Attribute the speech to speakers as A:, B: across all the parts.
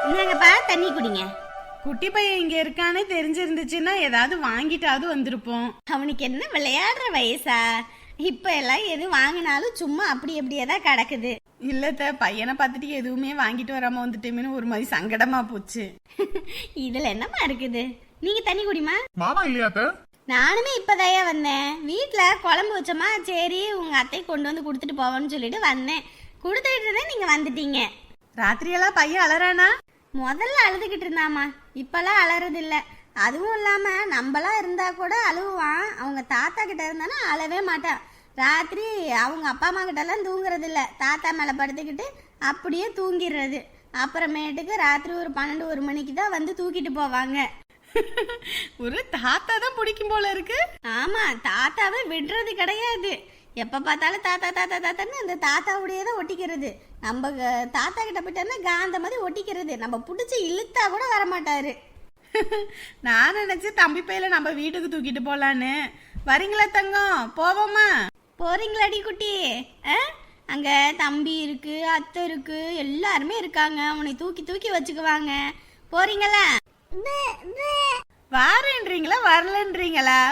A: இந்தாங்கப்பா தண்ணி குடிங்க.
B: குட்டி பையன் இங்க இருக்கான்னு தெரிஞ்சிருந்துச்சுன்னா ஏதாவது வாங்கிட்டாவது வந்திருப்போம்.
A: அவனுக்கு என்ன விளையாடுற வயசா? இப்ப எல்லாம் எது வாங்கினாலும் சும்மா அப்படி அப்படியே தான் கிடக்குது.
B: இல்லத்த, பையனை பார்த்துட்டு எதுவுமே வாங்கிட்டு வராம வந்துட்டேன்னு ஒரு மாதிரி சங்கடமா போச்சு.
A: இதுல என்னமா இருக்குது? நீங்க தண்ணி குடிமா.
C: மாமா இல்லையாத்த?
A: நானுமே இப்பதாயா வந்தேன். வீட்டுல குழம்பு வச்சோமா, சரி உங்க அத்தை கொண்டு வந்து கொடுத்துட்டு போவோன்னு சொல்லிட்டு வந்தேன். கொடுத்துட்டு இருந்தேன், நீங்க வந்துட்டீங்க.
B: ராத்திரியெல்லாம் பையன் அலறானா?
A: முதல்ல அழுதுகிட்டு இருந்தாமா, இப்பெல்லாம் அலறது இல்ல. அதுவும் இல்லாம நம்மளா இருந்தா கூட அழுவான். அவங்க தாத்தா கிட்ட இருந்தானா அழவே மாட்டான். ராத்திரி அவங்க அப்பா அம்மா கிட்ட எல்லாம் தூங்குறது இல்ல, தாத்தா மேல படுத்துக்கிட்டு அப்படியே தூங்கிடுறது. அப்புறமேட்டுக்கு ராத்திரி ஒரு 12-1 மணிக்கு தான் வந்து தூக்கிட்டு போவாங்க.
B: ஒரு தாத்தா தான் பிடிக்கும் போல இருக்கு.
A: ஆமா, தாத்தாவை விடுறது கிடையாது. எப்ப பார்த்தாலும் தாத்தா தாத்தா தாத்தான்னு அந்த தாத்தாவுடைய தான் ஒட்டிக்கிறது. நம்ம தாத்தா கிட்ட போயிட்டோம்னா காந்த மாதிரி ஒட்டிக்கிறது. நம்ம பிடிச்சி இழுத்தா கூட வரமாட்டாரு.
B: நான் நினைச்சு தம்பி பையில நம்ம வீட்டுக்கு தூக்கிட்டு போலான்னு. வரீங்களா தங்கம்? போவோமா?
A: போறீங்களாடி குட்டி? அங்க தம்பி இருக்கு, அத்தை இருக்கு, எல்லாருமே இருக்காங்க. உன்னை தூக்கி தூக்கி வச்சுக்குவாங்க. போறீங்களா?
B: வாரேன்றீங்களா வரலன்றீங்களா?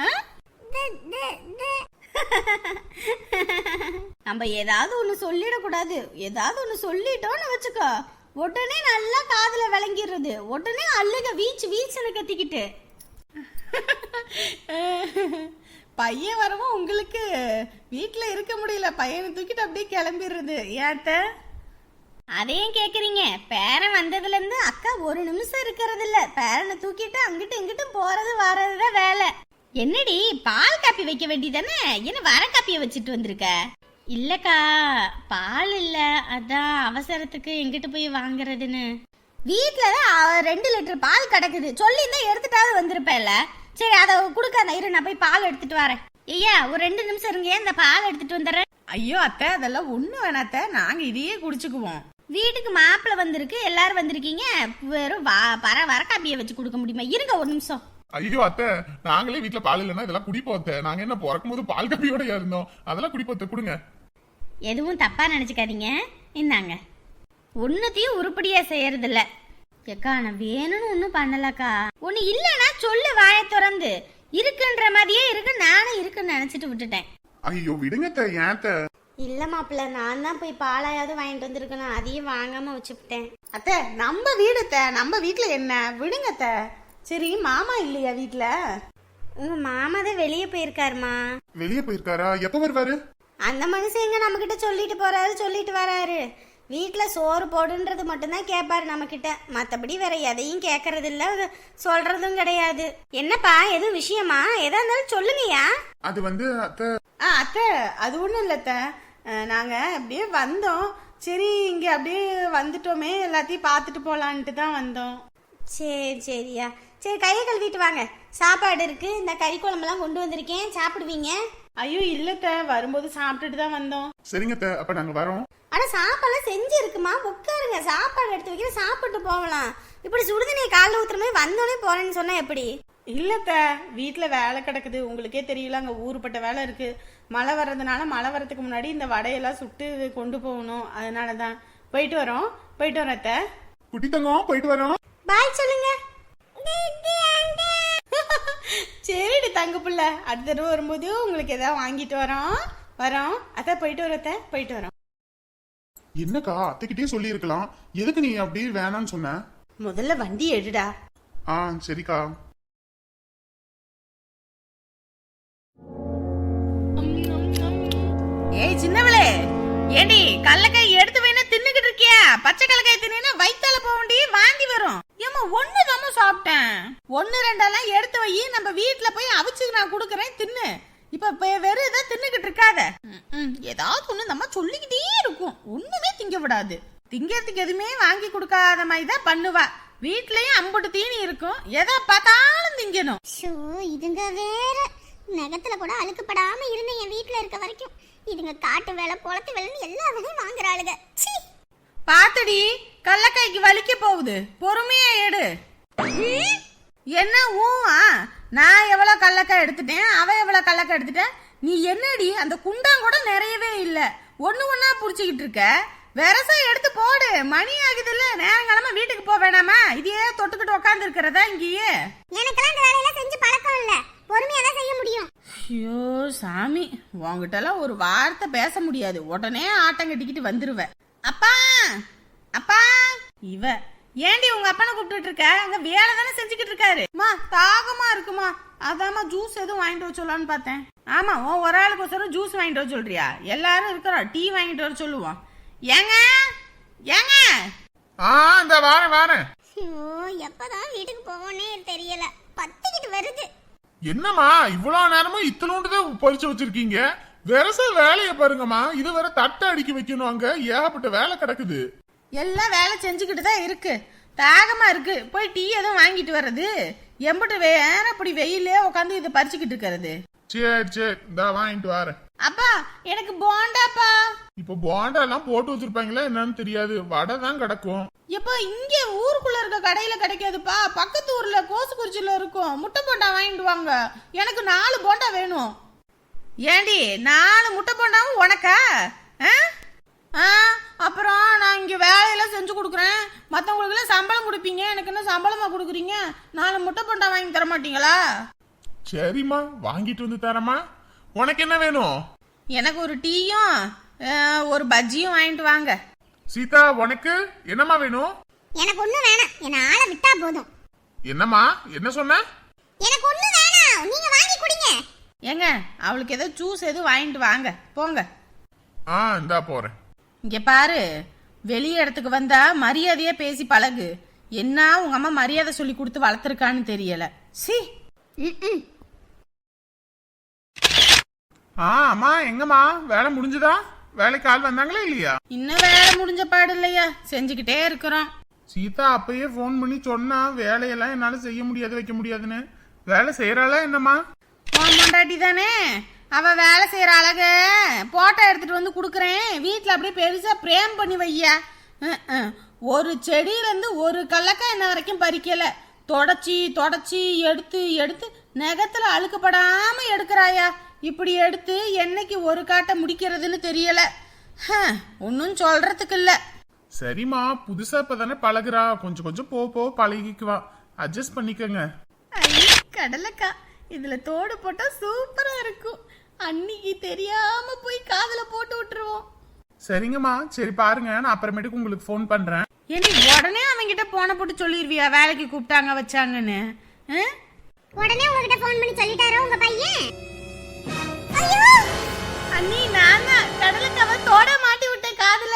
A: நம்ம ஏதாவது ஒண்ணு சொல்லிடக்கூடாது. ஏதாவது ஒண்ணு சொல்லிட்டோம்னு வச்சுக்கோ, உடனே நல்லா காதுல விளங்கிடுறது. உடனே அழுக வீச்சு வீச்சுன்னு கத்திக்கிட்டு.
B: பையன் வரவும் உங்களுக்கு வீட்டுல இருக்க முடியல, பையனை தூக்கிட்டு அப்படியே கிளம்பிடுறது. ஏத்த
A: அதையும் கேக்குறீங்க? பேரன் வந்ததுல இருந்து அக்கா ஒரு நிமிஷம் இருக்கிறது இல்ல. பேரனை தூக்கிட்டு அங்கிட்டு இங்கிட்டு போறது வர்றதுதான் வேலை. என்னடி பால் காப்பி வைக்க வேண்டியதானே? என்ன வர காப்பிய வச்சுட்டு வந்திருக்க? இல்லக்கா, பால் இல்ல, அதான் அவசரத்துக்கு எங்கிட்டு போய் வாங்குறதுன்னு. வீட்டுலதான் 2 லிட்டர் பால் கிடக்குது. சொல்லியிருந்தா எடுத்துட்டாவது வந்திருப்பேன்ல. சரி, அதை கொடுக்காத, இரு நான் போய் பால் எடுத்துட்டு வரேன். ஐயா ஒரு 2 நிமிஷம் இருங்க, இந்த பால் எடுத்துட்டு வந்துடுறேன்.
B: ஐயோ அத்தை, அதெல்லாம் ஒண்ணு வேணாத்த, நாங்க இதையே குடிச்சுக்குவோம்.
A: வீட்டுக்கு மாப்பிள்ள வந்திருக்கு, எல்லாரும் வந்திருக்கீங்க. வெறும் வர காப்பியை வச்சு கொடுக்க முடியுமா? இருங்க ஒரு நிமிஷம்.
C: ஐயோ அத்தை, நாங்களே வீட்டுல பால் இல்லைன்னா இதெல்லாம் குடிப்போம் அத்தை. நாங்க என்ன பிறக்கும் போது பால் கப்பியோட இருந்தோம், அதெல்லாம் குடிப்போம். கொடுங்க.
A: எதுவும் தப்பா நினைச்சுக்காதீங்க, இந்தாங்க. ஒன்னுத்தையும் உருப்படியா செய்யறது இல்ல. ஏக்கா நான் வேணும்னு ஒன்னும் பண்ணலக்கா. ஒண்ணு இல்லன்னா சொல்லு, வாயை திறந்து. இருக்குன்ற மாதிரியே இருக்கு, நானும் இருக்குன்னு நினைச்சிட்டு விட்டுட்டேன்.
C: ஐயோ விடுங்க அத்தை, ஏன் அத்தை?
A: இல்ல மாப்பிள்ள, நான் தான் போய் பாலாயாவது வாங்கிட்டு வந்திருக்கணும், அதையும் வாங்காம வச்சுவிட்டேன்.
B: அத்தை நம்ம வீடு அத்தை, நம்ம வீட்டுல என்ன விடுங்க அத்தை. சரி, மாமா இல்லையா வீட்டுல?
A: உங்க மாமா தான் வெளியே போயிருக்காருமா.
C: வெளியே போயிருக்காரா? எப்ப வருவாரு?
A: அந்த மனுஷன் எங்க நம்ம கிட்ட சொல்லிட்டு போறாரு, சொல்லிட்டு வராரு. வீட்டுல சோறு போடுன்றது மட்டும்தான் கேட்பாரு நம்ம கிட்ட. மத்தபடி வேற எதையும் கேட்கறது இல்ல, சொல்றதும் கிடையாது. என்னப்பா, எதுவும் விஷயமா? எதா இருந்தாலும் சொல்லுங்கயா.
C: அது வந்து அத்தை.
B: அத்தை அது ஒண்ணும் இல்ல அத்தை, நாங்க அப்படியே வந்தோம். சரி, இங்க அப்படியே வந்துட்டோமே, எல்லாத்தையும் பார்த்துட்டு போலான்ட்டு தான் வந்தோம்.
A: சரி சரியா, சரி கையை கழுவிட்டு வாங்க. சாப்பாடு இருக்கு, இந்த கறி குழம்பெல்லாம் கொண்டு வந்திருக்கேன், சாப்பிடுவீங்க.
B: ஐயோ இல்லத்த, வரும்போது சாப்பிட்டுட்டு தான் வந்தோம்.
C: சரிங்க அத்தை, அப்ப நாங்க வரோம்.
A: ஆனா சாப்பாடுலாம் செஞ்சு இருக்குமா, உட்காருங்க. சாப்பாடு எடுத்து வைக்கிற, சாப்பிட்டு போகலாம். இப்படி சுடுதண்ணியை காலைல ஊத்துற மாதிரி வந்தோடனே போறேன்னு சொன்னா எப்படி?
B: இல்லத்த, வீட்டுல வேலை கிடக்குது, உங்களுக்கே தெரியல, அங்க ஊருப்பட்ட வேலை இருக்கு. மழை வர்றதுனால மழை வர்றதுக்கு முன்னாடி இந்த வடையெல்லாம் சுட்டு கொண்டு போகணும். அதனாலதான் போயிட்டு வரோம். போயிட்டு வரோம் அத்தை.
C: குட்டி தங்கம், போயிட்டு வரோம்.
A: பாய் சொல்லுங்க.
B: சரிடி தங்க புள்ள, அடுத்த தடவை வரும்போது உங்களுக்கு ஏதாவது வாங்கிட்டு வரோம். அத்தை போயிட்டு வரோம் அத்தை, போயிட்டு வரோம்.
C: என்னக்கா, அத்தைக்கிட்டே சொல்லி இருக்கலாம், எதுக்கு நீ அப்படி வேணான்னு சொன்ன?
B: முதல்ல வண்டி எடுடா.
C: சரிக்கா.
B: ஏய் சின்னவளே, ஏடி கடலக்காய் எடுத்து வேணா தின்னுகிட்டு இருக்கியா? பச்சை கடலக்காய் தின்னா வயித்தால போவண்டி வாந்தி வரும். ஏமா ஒண்ணுதாம சாப்பிட்டேன், 1-2 எடுத்து வை, நம்ம வீட்டுல போய் அவிச்சு நான் குடுக்கறேன், தின்னு. இப்ப வெறும் இதை தின்னுகிட்டு இருக்காத. ஏதாவது ஒண்ணு நம்ம சொல்லிக்கிட்டே இருக்கும், ஒண்ணுமே திங்க விடாது. திங்கிறதுக்கு எதுவுமே வாங்கி கொடுக்காத மாதிரி தான் பண்ணுவா. வீட்லயும் அம்புட்டு தீனி இருக்கும், எதை பார்த்தாலும் திங்கணும்.
A: இதுங்க வேற நகத்துல கூட அழுக்கப்படாம இருந்த என் வீட்டுல இருக்க வரைக்கும் இதுங்க காட்டு வேலை, குளத்து வேலைன்னு எல்லா வேலையும் வாங்குறாளுங்க.
B: பாத்தடி, கடலக்காய்க்கு வலிக்க போகுது, பொறுமையா எடு. என்ன நான் எவ்வளவு கடலக்காய் எடுத்துட்டேன், அவ எவ்வளவு கடலக்காய் எடுத்துட்டேன். நீ என்னடி அந்த குண்டான் கூட நிறையவே இல்ல, ஒண்ணு ஒண்ணா புடிச்சுக்கிட்டு இருக்க. வெரசா எடுத்து போடு, மணி ஆகுதுல்ல, நேரங்காலமா வீட்டுக்கு போக வேணாமா? இதையே தொட்டுக்கிட்டு உட்காந்து இருக்கிறதா இங்கேயே?
A: எனக்கெல்லாம் இந்த வேலையெல்லாம் செஞ்சு பழக்கம் இல்ல, பொறுமையா தான் செய்ய முடியும்.
B: ஐயோ சாமி, உங்ககிட்டலாம் ஒரு வார்த்தை பேச முடியாது, உடனே ஆட்டம் கட்டிக்கிட்டு வந்துருவ. அப்பா அப்பா, இவ ஏண்டி உங்க அப்பனை கூப்பிட்டு இருக்க? அங்க வேலை தானே செஞ்சுக்கிட்டு இருக்காரு. மா தாகமா இருக்குமா, அதாம்மா ஜூஸ் எதுவும் வாங்கிட்டு வர சொல்லலான்னு பார்த்தேன். ஆமா, உன் ஒரு ஆளுக்கு ஜூஸ் வாங்கிட்டு வர சொல்றியா? எல்லாரும் இருக்கிறோம், டீ வாங்கிட்டு வர சொல்லுவோம். ஏங்க ஏங்க.
C: இந்த வாரேன்.
A: ஐயோ, எப்பதான் வீட்டுக்கு போவோன்னே தெரியல, பத்திக்கிட்டு வருது.
C: என்னம்மா இவ்வளவு நேரமும் இத்தனோண்டுதான் பறிச்சு வச்சிருக்கீங்க? வெரச வேலைய பாருங்கம்மா, இது வேற தட்டை அடிக்க வைக்கணும், அங்க ஏகப்பட்ட வேலை கிடக்குது.
B: எல்லாம் வேலை செஞ்சுக்கிட்டு தான் இருக்கு, தாகமா இருக்கு, போய் டீ எதுவும் வாங்கிட்டு வர்றது. எம்பிட்டு வேற அப்படி வெயிலே உட்காந்து இதை பறிச்சுக்கிட்டு இருக்கிறது.
C: சரி இந்த வாங்கிட்டு வரேன்.
B: அப்பா எனக்கு போண்டாப்பா.
C: இப்ப போண்டா எல்லாம் போட்டு வச்சிருப்பாங்களா என்னன்னு தெரியாது, வடை தான் கிடக்கும்.
B: எப்ப இங்க ஊருக்குள்ள இருக்க கடையில கிடைக்காதுப்பா, பக்கத்து ஊர்ல கோசுக்குறிச்சியில இருக்கும். முட்டை போண்டா வாங்கிட்டு வாங்க, எனக்கு 4 போண்டா வேணும். ஏண்டி 4 முட்டை போண்டாவும் உனக்கா? அப்புறம் நான் இங்க வேலையெல்லாம் செஞ்சு கொடுக்குறேன், மத்தவங்களுக்கு எல்லாம் சம்பளம் கொடுப்பீங்க, எனக்கு என்ன சம்பளமா கொடுக்குறீங்க? 4 முட்டை போண்டா வாங்கி தர மாட்டீங்களா?
C: சரிம்மா, வாங்கிட்டு வந்து தரமா. உனக்கு என்ன வேணும்?
B: எனக்கு ஒரு டீயும் ஒரு பஜ்ஜியும் வாங்கிட்டு வாங்க.
C: சீதா, உனக்கு என்னம்மா வேணும்?
A: எனக்கு ஒண்ணும் வேணாம், என்ன ஆள விட்டா போதும்.
C: என்னம்மா என்ன சொன்ன?
A: எனக்கு ஒண்ணும் வேணாம், நீங்க வாங்கி குடிங்க.
B: ஏங்க அவளுக்கு ஏதோ ஜூஸ் எதுவும் வாங்கிட்டு வாங்க போங்க.
C: இந்தா போறேன்.
B: இங்க பாரு, வெளிய இடத்துக்கு வந்தா மரியாதையா பேசி பழகு. என்ன உங்க அம்மா மரியாதை சொல்லி கொடுத்து வளர்த்துருக்கான்னு தெரியல. சி.
C: அம்மா எங்கம்மா வேலை முடிஞ்சதா? வேலைக்கு ஆள் வந்தாங்களா இல்லையா?
B: இன்னும் வேலை முடிஞ்ச பாடு இல்லையா, செஞ்சுக்கிட்டே இருக்கிறோம்.
C: சீதா அப்பயே போன் பண்ணி சொன்னா வேலையெல்லாம் என்னால செய்ய முடியாது வைக்க முடியாதுன்னு. வேலை செய்யறாளா என்னம்மா?
B: பொண்டாட்டி தானே, அவ வேலை செய்யற அழக போட்டோ எடுத்துட்டு வந்து குடுக்கறேன், வீட்டுல அப்படியே பெருசா பிரேம் பண்ணி வையா. ஒரு செடியில இருந்து ஒரு கல்லக்காய் இன்ன வரைக்கும் பறிக்கல, தொடச்சி எடுத்து எடுத்து நகத்துல அழுக்கப்படாம எடுக்கிறாயா. இப்படி எடுத்து என்னைக்கு ஒரு காட்டை முடிக்கிறதுன்னு தெரியல. ஒன்னும் சொல்றதுக்கு இல்ல.
C: சரிம்மா, புதுசா இப்பதானே பழகுறா, கொஞ்சம் கொஞ்சம் போ பழகிக்குவா, அட்ஜஸ்ட் பண்ணிக்கங்க.
B: கடலைக்கா, இதுல தோடு போட்டா சூப்பரா இருக்கும், அன்னைக்கு தெரியாம போய் காதுல போட்டு விட்டுருவோம்.
C: சரிங்கம்மா, சரி பாருங்க, நான் அப்புறமேட்டுக்கு உங்களுக்கு ஃபோன் பண்றேன்.
B: ஏண்டி உடனே அவங்கிட்ட போன போட்டு சொல்லிருவியா வேலைக்கு கூப்பிட்டாங்க வச்சாங்கன்னு?
A: உடனே உங்ககிட்ட ஃபோன் பண்ணி சொல்லிட்டாரோ உங்க பையன்?
B: அண்ணி நான் கடலுக்காவ தோட மாட்டி விட்டேன் காதுல.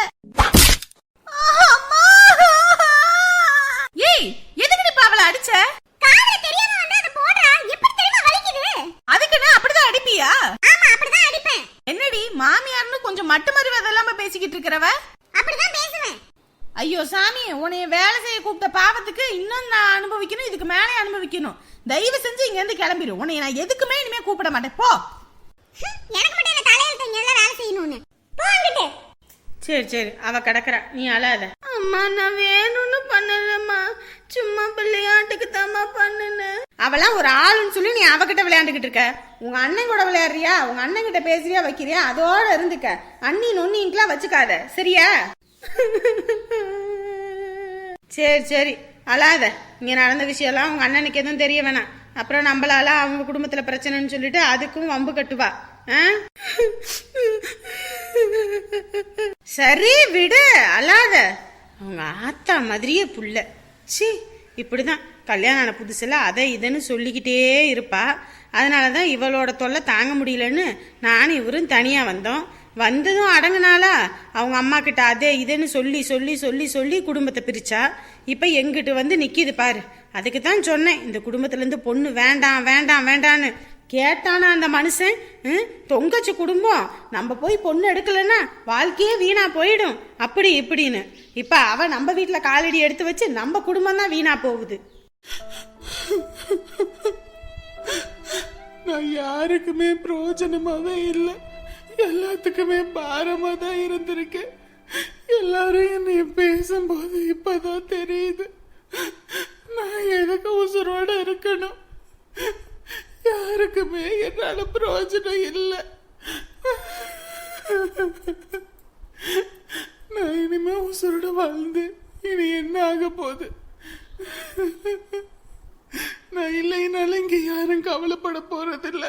B: ஏய் எதுக்கு பாவல அடிச்ச?
A: காதுல தெரியாம வந்து அத போடுறா, எப்படி தெரியுமா வலிக்குது?
B: அதுக்கு நான் அப்படிதான் அடிப்பியா?
A: ஆமா, அப்படிதான் அடிப்பேன்.
B: என்னடி மாமியார்னு கொஞ்சம் மட்டு மருவதெல்லாம் பேசிக்கிட்டு இருக்கறவ?
A: அப்படிதான் பேசுவேன்.
B: ஐயோ சாமி, உன்னைய வேலை செய்ய கூப்பிட்ட பாவத்துக்கு இன்னும் நான் அனுபவிக்கணும், இதுக்கு மேலே அனுபவிக்கணும். தயவு செஞ்சு இங்க இருந்து கிளம்பிடு, உன்னைய நான் எதுக்குமே இனிமே கூப்பிட மாட்டேன், போ.
A: எனக்கு மட்டும் இல்ல, தலையில இங்க எல்லாம் வேலை செய்யணும்னு போங்கிட்டு.
B: சரி அவ கிடக்குறா, நீ அழாத. அம்மா நான் வேணும்னு பண்ணலம்மா, சும்மா விளையாட்டுக்கு தாம்மா பண்ணுனேன். அவளாம் ஒரு ஆளுன்னு சொல்லி நீ அவகிட்ட விளையாண்டுகிட்டு இருக்க. உங்க அண்ணன் கூட விளையாடுறியா, உங்க அண்ணன் கிட்ட பேசுறியா வைக்கிறியா, அதோட இருந்துக்க. அண்ணி நொன்னிங்கெல்லாம் வச்சுக்காத, சரியா? சரி அழாத. இங்க நடந்த விஷயம்லாம் உங்க அண்ணனுக்கு எதுவும் தெரிய வேணாம், அப்புறம் நம்மளால அவங்க குடும்பத்துல பிரச்சனைன்னு சொல்லிட்டு அதுக்கும் வம்பு கட்டுவா. சரி விடு, அழாத. அவங்க ஆத்தா மாதிரியே புள்ள. சி, இப்படிதான் கல்யாணம் ஆன புதுசுல அதை இதுன்னு சொல்லிக்கிட்டே இருப்பா. அதனாலதான் இவளோட தொல்லை தாங்க முடியலன்னு நானும் இவரும் தனியா வந்தோம். வந்ததும் அடங்குனாலா, அவங்க அம்மா கிட்ட அதே இதுன்னு சொல்லி சொல்லி சொல்லி சொல்லி குடும்பத்தை பிரிச்சா. இப்ப எங்கிட்டு வந்து நிக்கிது பாரு. அதுக்கு தான் சொன்னேன், இந்த குடும்பத்துல இருந்து பொண்ணு வேண்டாம் வேண்டாம் வேண்டான்னு. கேட்டானா அந்த மனுஷன்? தொங்கச்சு குடும்பம், நம்ம போய் பொண்ணு எடுக்கலன்னா வாழ்க்கையே வீணா போயிடும் அப்படி இப்படின்னு. இப்ப அவ நம்ம வீட்டுல காலடி எடுத்து வச்சு நம்ம குடும்பம் தான் வீணா போகுது.
C: நான் யாருக்குமே பிரயோஜனமாவே இல்லை, எல்லாத்துக்குமே பாரமா தான் இருந்திருக்கேன். எல்லாரும் என்னைய பேசும்போது இப்பதான் தெரியுது நான் எதுக்கு உசுரோட இருக்கணும். யாருக்குமே என்னால பிரயோஜனம் இல்லை. நான் இனிமே
D: உசுரோட வாழ்ந்து இனி என்ன ஆக போகுது? நான் இல்லைனாலும் இங்க யாரும் கவலைப்பட போறதில்ல.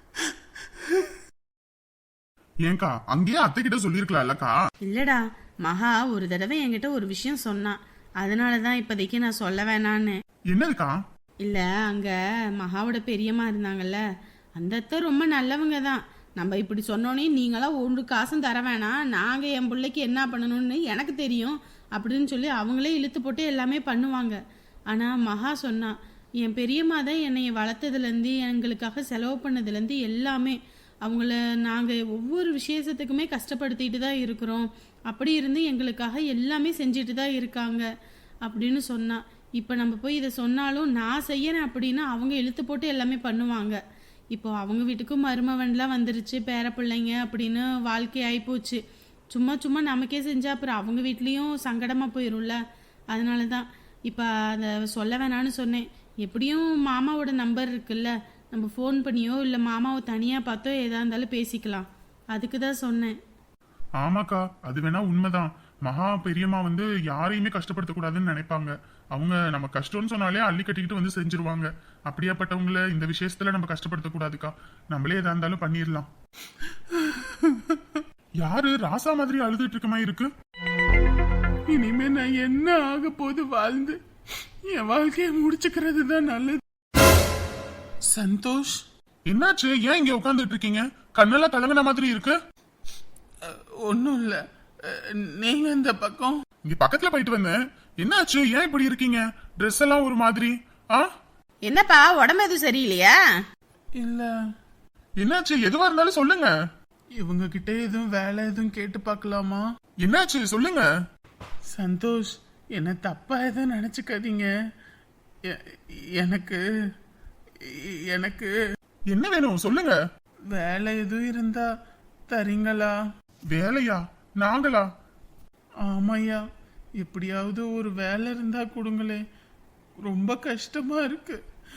C: ஏங்கா அங்கேயே அத்தை கிட்ட சொல்லிருக்கலாம்லக்கா.
B: இல்லடா, மகா ஒரு தடவை என்கிட்ட ஒரு விஷயம் சொன்னான். அதனாலதான் இப்போதைக்கு நான் சொல்ல வேணான்னு.
C: என்னதுக்கா?
B: இல்ல, அங்க மகாவோட பெரியம்மா இருந்தாங்கல்ல, அந்த அத்தை ரொம்ப நல்லவங்க தான். நம்ம இப்படி சொன்னோன்னே நீங்களாம் ஒன்று காசும் தர வேணாம், நாங்க என் பிள்ளைக்கு என்ன பண்ணணும்னு எனக்கு தெரியும் அப்படின்னு சொல்லி அவங்களே இழுத்து போட்டு எல்லாமே பண்ணுவாங்க. ஆனா மகா சொன்னா, என் பெரியம்மா தான் என்னை வளர்த்ததுலேருந்து எங்களுக்காக செலவு பண்ணதுலேருந்து எல்லாமே, அவங்கள நாங்கள் ஒவ்வொரு விசேஷத்துக்குமே கஷ்டப்படுத்திட்டு தான் இருக்கிறோம், அப்படி இருந்து எங்களுக்காக எல்லாமே செஞ்சுட்டு தான் இருக்காங்க அப்படின்னு சொன்னா. இப்போ நம்ம போய் இதை சொன்னாலும் நான் செய்யறேன் அப்படின்னா அவங்க இழுத்து போட்டு எல்லாமே பண்ணுவாங்க. இப்போ அவங்க வீட்டுக்கும் மருமவன்லாம் வந்துருச்சு, பேர பிள்ளைங்க அப்படின்னு வாழ்க்கை ஆகிப்போச்சு. சும்மா சும்மா நமக்கே செஞ்சா அப்புறம் அவங்க வீட்லேயும் சங்கடமாக போயிடும்ல. அதனால தான் இப்போ அதை சொல்ல வேணான்னு சொன்னேன். எப்படியும் மாமாவோட நம்பர் இருக்குல்ல, நம்ம ஃபோன் பண்ணியோ இல்லை மாமாவை தனியாக பார்த்தோ எதா இருந்தாலும் பேசிக்கலாம், அதுக்கு தான் சொன்னேன்.
C: ஆமாக்கா, அது வேணா உண்மைதான். மகா பெரியம்மா வந்து யாரையுமே கஷ்டப்படுத்தக்கூடாதுன்னு நினைப்பாங்க. அவங்க நம்ம கஷ்டம்னு சொன்னாலே அள்ளி கட்டிக்கிட்டு வந்து செஞ்சிருவாங்க. அப்படியாப்பட்டவங்கள இந்த விஷயத்துல நம்ம கஷ்டப்படுத்தக்கூடாதுக்கா. நம்மளே எதா இருந்தாலும் பண்ணிடலாம். யாரு ராசா மாதிரி அழுதுட்டு இருக்க மாதிரி இருக்கு?
D: இனிமே நான் என்ன ஆக போது வாழ்ந்து என் வாழ்க்கையை முடிச்சுக்கிறது தான் நல்லது. சந்தோஷ்,
C: என்னாச்சு? ஏன் இங்க உட்கார்ந்துட்டு இருக்கீங்க? கண்ணெல்லாம் கலங்கின மாதிரி இருக்கு.
D: ஒன்னும் இல்ல, நீங்க இந்த பக்கம்.
C: இங்க பக்கத்துல போயிட்டு வந்தேன். என்னாச்சு? ஏன் இப்படி இருக்கீங்க? ட்ரெஸ் எல்லாம் ஒரு மாதிரி.
B: என்னப்பா, உடம்பு எதுவும் சரியில்லையா?
D: இல்ல.
C: என்னாச்சு? எதுவா இருந்தாலும் சொல்லுங்க.
D: இவங்க கிட்ட எதுவும் வேலை எதுவும் கேட்டு பார்க்கலாமா?
C: என்னாச்சு சொல்லுங்க.
D: சந்தோஷ், என்ன தப்பா எதுவும் நினைச்சுக்காதீங்க. எனக்கு எனக்கு
C: என்ன வேணும் சொல்லுங்க.
D: வேலை எதுவும் இருந்தா தரீங்களா?
C: வேலையா? நாங்களா?
D: ஆமாய்யா, எப்படியாவது ஒரு வேலை இருந்தா கொடுங்களே. ரொம்ப கஷ்டமா இருக்கு,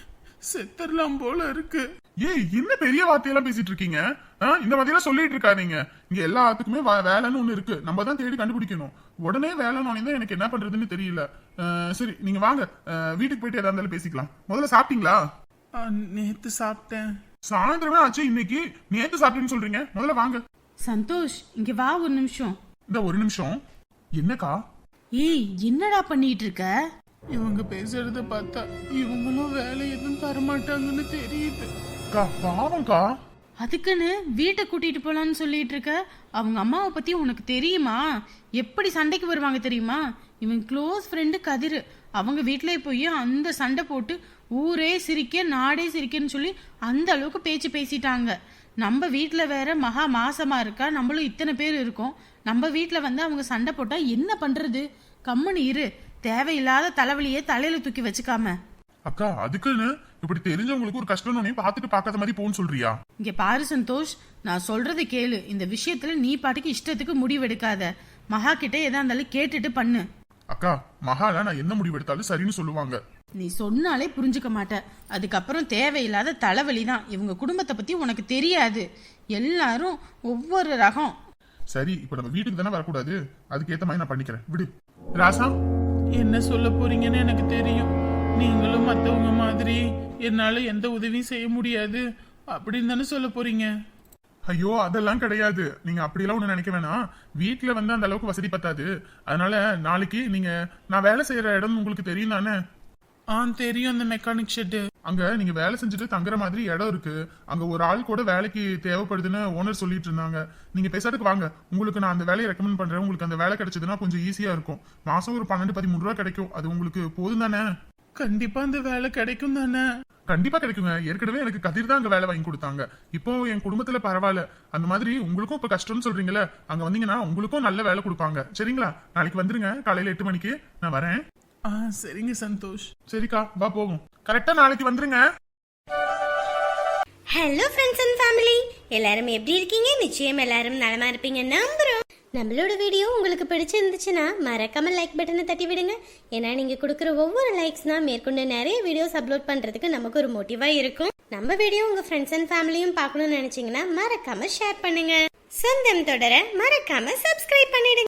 D: செத்தரலாம் போல இருக்கு.
C: ஏய், என்ன பெரிய வார்த்தையெல்லாம் பேசிட்டு இருக்கீங்க? இந்த மாதிரியெல்லாம் சொல்லிட்டு இருக்காதீங்க. இங்க எல்லாத்துக்குமே வேலைன்னு ஒண்ணு இருக்கு, நம்ம தான் தேடி கண்டுபிடிக்கணும். உடனே வேலைன்னு தான் எனக்கு என்ன பண்றதுன்னு தெரியல. சரி, நீங்க வாங்க, வீட்டுக்கு போயிட்டு எதா இருந்தாலும் பேசிக்கலாம். முதல்ல சாப்பிட்டீங்களா?
D: நேத்து சாப்பிட்டேன்.
C: சாயந்தரமே ஆச்சு, இன்னைக்கு நேத்து சாப்பிட்டேன்னு சொல்றீங்க. முதல்ல வாங்க.
B: சந்தோஷ், இங்க வா ஒரு நிமிஷம்.
C: இந்த ஒரு நிமிஷம். என்னக்கா?
B: ஏய், என்னடா பண்ணிட்டு இருக்க?
D: இவங்க பேசுறத பார்த்தா இவங்களும் வேலை எதுவும் தரமாட்டாங்கன்னு தெரியுது.
C: பாவம்க்கா.
B: அதுக்குன்னு வீட்டை கூட்டிட்டு போலான்னு சொல்லிட்டு இருக்க. அவங்க அம்மாவை பத்தி உனக்கு தெரியுமா? எப்படி சண்டைக்கு வருவாங்க தெரியுமா? இவன் க்ளோஸ் ஃப்ரெண்டு கதிர், அவங்க வீட்டிலே போய் அந்த சண்டை போட்டு ஊரே சிரிக்க நாடே சிரிக்கன்னு சொல்லி அந்த அளவுக்கு பேச்சு பேசிட்டாங்க. நம்ம வீட்டில் வேற மகா மாசமா இருக்கா, நம்மளும் இத்தனை பேர் இருக்கோம். நம்ம வீட்டில் வந்து அவங்க சண்டை போட்டா என்ன பண்றது? கம்முன்னு இரு, தேவையில்லாத தலைவலியே தலையில தூக்கி வச்சுக்காம.
C: அக்கா, அதுக்குன்னு இப்படி தெரிஞ்சவங்களுக்கு ஒரு கஷ்டம் பார்த்துட்டு பார்க்காத மாதிரி போன்னு சொல்றியா?
B: இங்க பாரு சந்தோஷ், நான் சொல்றது கேளு. இந்த விஷயத்துல நீ பாட்டுக்கு இஷ்டத்துக்கு முடிவெடுக்காத. மகா கிட்ட எதா இருந்தாலும் கேட்டுட்டு பண்ணு.
C: அக்கா, மகாலா நான் என்ன முடிவு எடுத்தாலும் சரின்னு சொல்லுவாங்க.
B: நீ சொன்னாலே புரிஞ்சுக்க மாட்ட. அதுக்கப்புறம் தேவையில்லாத தலைவலி தான். இவங்க குடும்பத்தை பத்தி உனக்கு தெரியாது, எல்லாரும் ஒவ்வொரு ரகம்.
C: சரி, இப்ப நம்ம வீட்டுக்கு தானே வரக்கூடாது, அதுக்கேத்த மாதிரி நான் பண்ணிக்கிறேன், விடு. ராசா,
D: என்ன சொல்ல போறீங்கன்னு எனக்கு தெரியும். நீங்களும் மத்தவங்க மாதிரி என்னால எந்த உதவியும் செய்ய முடியாது அப்படின்னு தானே சொல்ல போறீங்க?
C: ஐயோ அதெல்லாம் கிடையாது. நீங்க அப்படியெல்லாம் ஒண்ணு நினைக்க வேணாம். வீட்டுல வந்து அந்த அளவுக்கு வசதி பத்தாது. அதனால நாளைக்கு நீங்க நான் வேலை செய்யற இடம் உங்களுக்கு தெரியும் தானே?
D: தெரியும், அந்த மெக்கானிக் ஷெட்.
C: அங்க நீங்க வேலை செஞ்சுட்டு தங்குற மாதிரி இடம் இருக்கு. அங்க ஒரு ஆள் கூட வேலைக்கு தேவைப்படுதுன்னு ஓனர் சொல்லிட்டு இருந்தாங்க. நீங்க பேசாட்டுக்கு வாங்க, உங்களுக்கு நான் அந்த வேலையை ரெக்கமெண்ட் பண்றேன். உங்களுக்கு அந்த வேலை கிடைச்சதுன்னா கொஞ்சம் ஈஸியா இருக்கும். மாசம் ஒரு 12-13 ரூபா கிடைக்கும். அது உங்களுக்கு போதும் தானே?
D: கண்டிப்பா அந்த வேலை கிடைக்கும் தானே?
C: கண்டிப்பா கிடைக்குங்க. ஏற்கனவே எனக்கு கதிர் தான் அங்க வேலை வாங்கி கொடுத்தாங்க. இப்போ என் குடும்பத்துல பரவாயில்ல. அந்த மாதிரி உங்களுக்கும் இப்ப கஷ்டம்னு சொல்றீங்களே, அங்க வந்தீங்கன்னா உங்களுக்கும் நல்ல வேலை கொடுப்பாங்க. சரிங்களா? நாளைக்கு வந்துருங்க, காலையில 8 மணிக்கு நான் வரேன்.
D: சரிங்க சந்தோஷ்.
C: சரிக்கா, வா போவோம். கரெக்டா நாளைக்கு வந்துருங்க.
A: ஹலோ ஃப்ரெண்ட்ஸ் அண்ட் ஃபேமிலி, எல்லாரும் எப்படி இருக்கீங்க? நிச்சயம் எல்லாரும் நலமா இருப்பீங்க நம்புறோம். நம்மளோட வீடியோ உங்களுக்கு பிடிச்சிருந்துச்சுன்னா மறக்காம லைக் பட்டனை தட்டி விடுங்க. ஏன்னா நீங்க கொடுக்குற ஒவ்வொரு லைக்ஸ் தான் மேற்கொண்டு நிறைய வீடியோஸ் அப்லோட் பண்றதுக்கு நமக்கு ஒரு மோட்டிவா இருக்கும். நம்ம வீடியோ உங்க ஃப்ரெண்ட்ஸ் அண்ட் ஃபேமிலியும் பார்க்கணும்னு நினைச்சீங்கன்னா மறக்காம ஷேர் பண்ணுங்க. சொந்தம் தொடர மறக்காம சப்ஸ்கிரைப் பண்ணிடுங்க.